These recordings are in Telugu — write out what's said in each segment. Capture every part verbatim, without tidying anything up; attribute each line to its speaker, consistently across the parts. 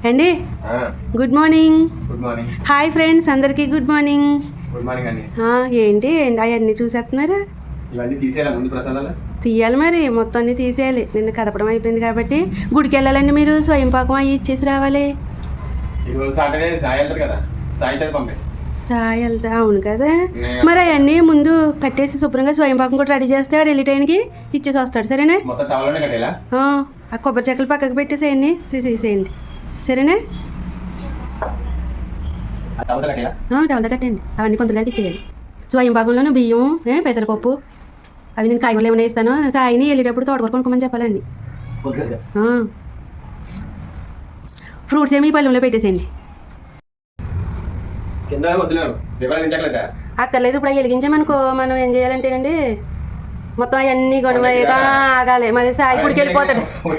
Speaker 1: అండి good morning.
Speaker 2: Good morning.
Speaker 1: Hi friends, అందరికీ గుడ్ మార్నింగ్.
Speaker 2: గుడ్ మార్నింగ్ అండి.
Speaker 1: ఏంటి అవన్నీ చూసేస్తున్నారు?
Speaker 2: ఇవన్నీ తీసేయాలి ముందు ప్రసాదాలు
Speaker 1: తీయాలి మరి, మొత్తం అన్ని తీసేయాలి. నిన్న కదపడం అయిపోయింది కాబట్టి గుడికి వెళ్ళాలండి. మీరు స్వయం పాకం అవి ఇచ్చేసి రావాలి.
Speaker 2: ఈరోజు సాటర్డే సాయి వెళ్తారు కదా, సాయి చదివి పంపే
Speaker 1: సాయి వెళ్తా. అవును కదా, మరి అవన్నీ ముందు కట్టేసి శుభ్రంగా స్వయం పాకం కూడా రెడీ చేస్తే ఆడు వెళ్ళి టైంకి ఇచ్చేసి వస్తాడు. సరేనా?
Speaker 2: మొత్తం టవల్లోనే కట్టేలా.
Speaker 1: ఆ కొబ్బరి చెక్కలు పక్కకు పెట్టేసేయండి, తీసేసేయండి. సరేనా?
Speaker 2: టవల్ కట్టేలా.
Speaker 1: టవల్ కట్టండి, అవన్నీ కొంతలాగా ఇచ్చేయాలి. స్వయం పాకంలోనూ బియ్యం, పెసరపప్పు, అవి నేను కాయగూరలు ఏమైనా ఇస్తాను. సాయిని వెళ్ళేటప్పుడు తోటకూర కొనుక్కోమని చెప్పాలండి. ఫ్రూట్స్ ఏమి పళ్ళెంలో పెట్టేసేయండి. అక్కర్లేదు, ఇప్పుడు అవి వెలిగించామనుకో మనం ఏం చేయాలంటేనండి మొత్తం అవన్నీ కొనగా ఆగాలి. మళ్ళీ సాయి గుడికి వెళ్ళిపోతాడు.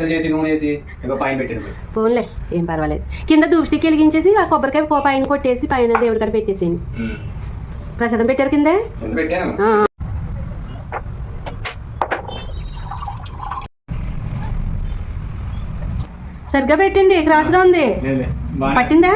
Speaker 1: పోన్లే, ఏం పర్వాలేదు. కింద ధూప్ స్టిక్ వెలిగించేసి ఆ కొబ్బరికాయ పైన కొట్టేసి పైన దేవుడి కాడ పెట్టేసేయండి. ప్రసాదం పెట్టారు కింద. సరిగ్గా పెట్టండి, క్రాస్గా ఉంది. పట్టిందా?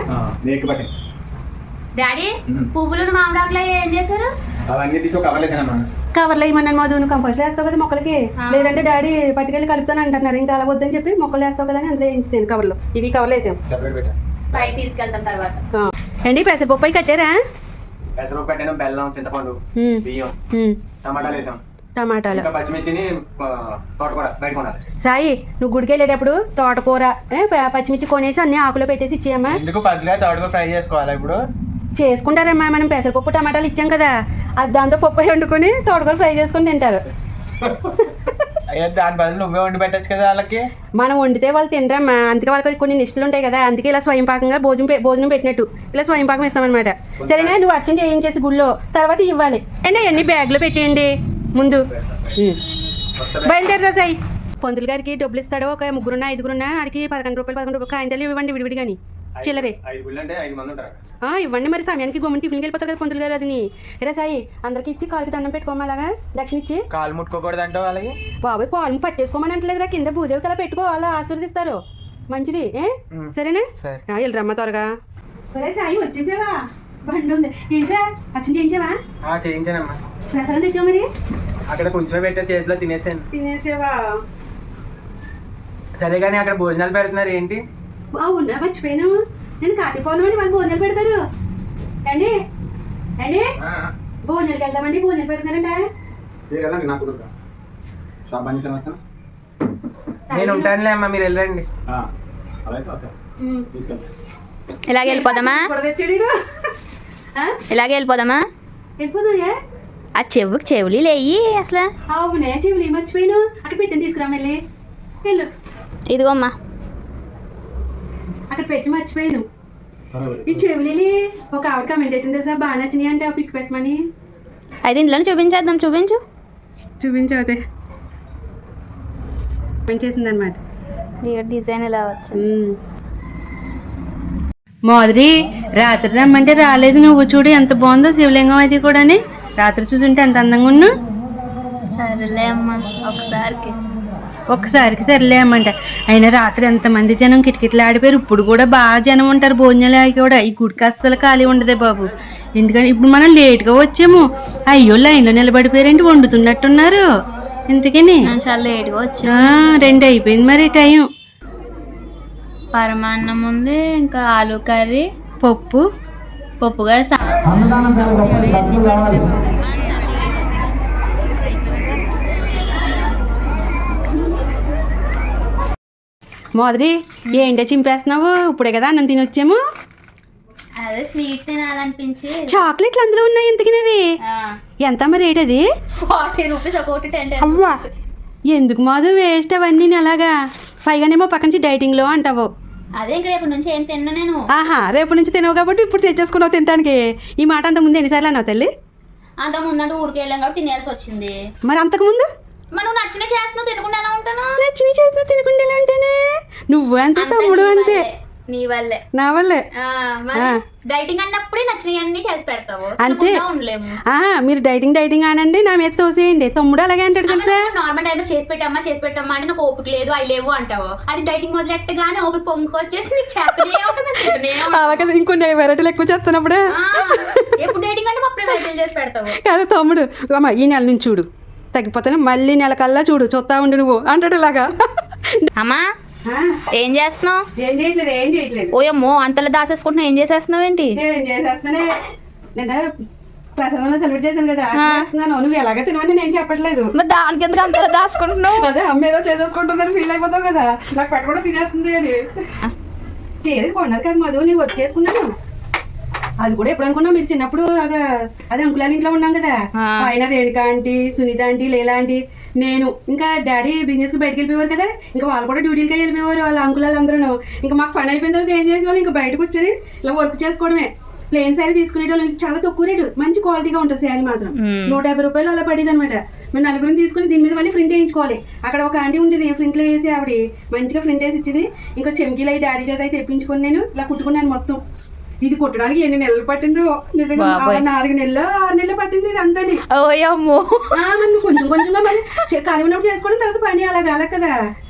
Speaker 3: డాడీ, పువ్వులను మామిడాకులు ఏం చేశారు?
Speaker 1: కవర్లో ఇవ్వమన్నాను. మధు కంపోస్ట్ వేస్తావు కదా మొక్కలకి, లేదంటే డాడీ పట్టుకెళ్ళి కలుపుతాను అంటున్నారు. ఇంకా అలా వద్దని చెప్పి మొక్కలు వేస్తావు కదా అని అందులో వేయించాను కవర్లో. ఇవి కవర్లో వేసాం,
Speaker 3: పైకి తీసుకెళ్తాం తర్వాత.
Speaker 1: అండి పెసరపప్పు అయి కట్టారా?
Speaker 2: పెసరపప్పు పెట్టాను, బెల్లం, చింతపండు, బియ్యం, టమాటాలు వేసాం.
Speaker 1: టమాటాలు,
Speaker 2: పచ్చిమిర్చిని తోటకూర బయట కొనాలి.
Speaker 1: సాయి, నువ్వు గుడికి వెళ్ళేటప్పుడు తోటకూర పచ్చిమిర్చి కొనేసి అన్ని ఆకులో పెట్టేసి ఇచ్చేయమ్మా.
Speaker 2: ఎందుకు పచ్చిగా తోటకూర ఫ్రై చేసుకోవాలి? ఇప్పుడు
Speaker 1: చేసుకుంటారమ్మా, మనం పెసరపప్పు టమాటాలు ఇచ్చాం కదా, అది దాంతో పప్పు వండుకొని తోటకూర ఫ్రై చేసుకొని తింటారు.
Speaker 2: అయ్యో, దాని బదులు నువ్వే వండి పెట్టచ్చు కదా వాళ్ళకి.
Speaker 1: మనం వండితే వాళ్ళు తినరమ్మా, అందుకే వాళ్ళకి కొన్ని నిష్ఠలు ఉంటాయి కదా. అందుకే ఇలా స్వయం పాకంగా భోజనం భోజనం పెట్టినట్టు ఇలా స్వయం పాకం ఇస్తామన్నమాట. సరేనా? నువ్వు అర్చన చేయించేసి గుళ్ళో తర్వాత ఇవ్వాలి అండి. అన్ని బ్యాగ్లో పెట్టేయండి ముందు. బయలుదేరరా సాయి. పంతులు గారికి డబ్బులు ఇస్తాడు. ఒక ముగ్గురున్నా ఐదుగురున్నా ఆడికి పదకొండు రూపాయలు పదకొండు రూపాయలు కాయింతలు ఇవ్వండి విడివిడి కానీ చిల్లరే ఇవ్వండి. మరి సమయానికి గమ్ముని టిఫిన్కి వెళ్ళిపోతారు కదా పంతులు గారు. అది రా సాయి, అందరికి ఇచ్చి కాలుకి దండం పెట్టుకోమాలాగా దక్షిణ ఇచ్చి.
Speaker 2: కాలు ముట్టుకోకూడదు అంటే వాళ్ళకి.
Speaker 1: బాబాయ్, కాలు పట్టేసుకోమని అంటలేదురా, కింద భూదేవి కలా పెట్టుకో, వాళ్ళు ఆశీర్వదిస్తారు. మంచిది. ఏ సరేనా? వెళ్ళరమ్మా త్వరగా. సరే సాయి, వచ్చేసావా? బండి ఉంది ఏంట్రా? అచ్చం చేయించావా?
Speaker 2: చేయించానమ్మా.
Speaker 1: ప్రసాదం తెచ్చావు మరి?
Speaker 2: అక్కడ కొంచెం పెట్టే చేతిలో తినేసాను.
Speaker 1: తినేసావా?
Speaker 2: సరే కానీ అక్కడ భోజనాలు పెడుతున్నారు ఏంటి?
Speaker 1: బాగున్నా, మర్చిపోయాను. నేను కార్తీకోణం అని వాళ్ళు భోజనాలు పెడతారు అండి. అండి భోజనాలకు వెళ్దామండి, భోజనాలు పెడతారంట.
Speaker 2: నేను ఉంటానులే అమ్మా, మీరు వెళ్ళండి.
Speaker 3: ఇలాగే వెళ్ళిపోదామా? ఇలాగే వెళ్ళిపోదామా?
Speaker 1: వెళ్ళిపోదాయా?
Speaker 3: ఆ చెవుకి చెవులు లేయి అసలు.
Speaker 1: అవునే, చెవులు మర్చిపోయాను. అక్కడ పెట్టిన తీసుకురా మళ్ళీ. వెళ్ళు.
Speaker 3: ఇదిగోమ్మా,
Speaker 1: అక్కడ పెట్టి మర్చిపోయాను. ఈ చెవులు ఒక ఆవిడ కమెంట్ పెట్టింది సార్, బాగా నచ్చినాయి అంటే ఆ పిక్ పెట్టమని.
Speaker 3: అయితే ఇందులో చూపించేద్దాం. చూపించు
Speaker 1: చూపించు. అదే చేసింది అనమాట.
Speaker 3: డిజైన్ ఎలా వచ్చు.
Speaker 1: మాదిరి రాత్రి రమ్మంటే రాలేదు. నువ్వు చూడు ఎంత బాగుందో శివలింగం అది కూడా. రాత్రి చూసుంటే ఎంత అందంగా ఉన్నా.
Speaker 3: సరేలే అమ్మా, ఒకసారికి
Speaker 1: ఒక్కసారికి సరిలే అమ్మంట. అయినా రాత్రి ఎంతమంది జనం కిటకిటలు ఆడిపోయారు. ఇప్పుడు కూడా బాగా జనం ఉంటారు భోజనాలు ఆగి కూడా. ఈ గుడికి అస్సలు ఖాళీ ఉండదే బాబు. ఎందుకని ఇప్పుడు మనం లేట్గా వచ్చాము. అయ్యో, లైన్లో నిలబడిపోయారంటే వండుతున్నట్టున్నారు. ఇంతకని
Speaker 3: చాలా లేట్గా వచ్చా.
Speaker 1: రెండు అయిపోయింది మరి టైం.
Speaker 3: పరమాన్నం ఉంది, ఇంకా ఆలు కర్రీ,
Speaker 1: పప్పు
Speaker 3: పప్పుగా
Speaker 1: మాదిరి ఏంటో చింపేస్తున్నావు? ఇప్పుడే కదా అన్నం తినొచ్చాము.
Speaker 3: అదే స్వీట్ తినాలనిపించి.
Speaker 1: చాక్లెట్లు అందులో ఉన్నాయి. ఇంతకినవి ఎంత మరి రేట్? అది
Speaker 3: ఫార్టీ రూపీస్ ఒకటి. టెన్
Speaker 1: అవ్వా, ఎందుకు మాధు వేస్ట్ అవన్నీ అలాగా? పైగానేమో పక్క నుంచి డైటింగ్లో అంటావు.
Speaker 3: అదే ఇంక రేపు నుంచి ఏం తిన్నా నేను.
Speaker 1: ఆహా, రేపు నుంచి తినవు కాబట్టి ఇప్పుడు తెచ్చేసుకున్నావు తినడానికి. ఈ మాట అంత ముందు ఎన్నిసార్లు అన్నావు తల్లి?
Speaker 3: అంత ముందంటే ఊరికి వెళ్ళాం కాబట్టి తినేయాల్సి వచ్చింది.
Speaker 1: మరి అంతకుముందు
Speaker 3: మనం నచ్చిన చేస్తున్నావు తినకుండా ఎలా ఉంటాను?
Speaker 1: నచ్చిన చేస్తున్నా తినకుండా ఎలా ఉంటానే? నువ్వు అంతే, తమ్ముడు అంతే.
Speaker 3: నీ వల్లే
Speaker 1: నా వల్లే
Speaker 3: ఆ, మరి డైటింగ్ అన్నప్పుడే నచ్చినవన్నీ చేసి పెడతావు
Speaker 1: అంతే.
Speaker 3: తినకుండా ఉండలేము.
Speaker 1: ఆ, మీరు డైటింగ్ డైటింగ్ అనండి, నా మీద తోసేయండి. తమ్ముడు అలాగే అంటాడు తెలుసా.
Speaker 3: నార్మల్ టైంలో చేసి పెట్టమ్మా చేసి పెట్టమ్మా అంటే నాకు ఓపిక లేదు అవి లేవు అంటావు. అది డైటింగ్ మొదలెట్టగానే ఓపిక పొంగుకొచ్చేసి నీకు చేస్తనే ఉంటుంది తింటూనే ఉంటావు.
Speaker 1: అలాగే ఇంకొన్ని వెరైటీలు ఎక్కువ చేస్తున్నప్పుడే
Speaker 3: ఆ, ఎప్పుడు డైటింగ్ అంటే అప్పుడే వెరైటీలు చేసి పెడతావు.
Speaker 1: కాదు తమ్ముడు, అమ్మ ఈ నెల నుంచి చూడు తగ్గిపోతాను, మళ్ళీ నెల కల్లా చూడు చూస్తా ఉండు నువ్వు అంటాడు ఇలాగా.
Speaker 3: అమ్మా ఏం చేస్తున్నావు?
Speaker 1: ఏం చేయట్లేదు ఏం చేయట్లేదు
Speaker 3: ఓయమ్మో అంతలా దాసేసుకుంటున్నావు, ఏం చేసేస్తున్నావు ఏంటి?
Speaker 1: ఏం చేసేస్తున్నానే, నేను ప్రసాదంలో సెలబ్రేట్ చేశాను కదా చేస్తున్నాను. నువ్వు ఎలాగ తినవని నేను చెప్పట్లేదు.
Speaker 3: మరి దానికి ఎందుకు అంతలా దాచుకుంటున్నావు?
Speaker 1: అదే అమ్మ ఏదో చేసేసుకుంటుందని ఫీల్ అయిపోతావు కదా, నాకు పెట్ట కూడా తినేస్తుంది అని. చేది కొన్నది కదా మధు, నేను వర్క్ చేసుకున్నాను. అది కూడా ఎప్పుడు అనుకున్నా, మీరు చిన్నప్పుడు అదే అంకులాల ఇంట్లో ఉన్నాం కదా, ఆయన Renuka aunty, Sunitha aunty, Leela aunty, నేను ఇంకా డాడీ బిజినెస్ కి బయటకు వెళ్ళిపోయారు కదా, ఇంకా వాళ్ళు కూడా డ్యూటీలకి వెళ్ళిపోయేవారు. వాళ్ళ అంకులాలు అందరూ ఇంకా మాకు పని అయిపోయిన తర్వాత ఏం చేసేవాళ్ళు, ఇంకా బయటకు వచ్చి ఇలా వర్క్ చేసుకోవడమే. ప్లెయిన్ శారీ తీసుకునేటోళ్ళు చాలా తక్కువ రేటు, మంచి క్వాలిటీగా ఉంటుంది శారీ మాత్రం. నూట యాభై రూపాయలు అలా పడేది అనమాట. మేము నలుగురిని తీసుకుని దీని మీద మళ్ళీ ప్రింట్ వేయించుకోవాలి. అక్కడ ఒక ఆంటీ ఉండేది ప్రింట్లో వేసి, ఆవిడ మంచిగా ప్రింట్ వేసి ఇచ్చింది. ఇంకా చెంకీలు అయి డాడీ చేత అయితే తెప్పించుకొని నేను ఇలా కుట్టుకున్నాను మొత్తం. ఇది కుట్టడానికి ఎన్ని నెలలు పట్టిందో నిజంగా, నాలుగు నెలలు ఆరు నెలలు పట్టింది ఇది అంతా.
Speaker 3: ఓయమ్మో
Speaker 1: మనం కొంచెం కొంచెంగా మరి ఖాళీ ఉన్నప్పుడు చేసుకోవడం, తర్వాత పని అలాగా అలా కదా.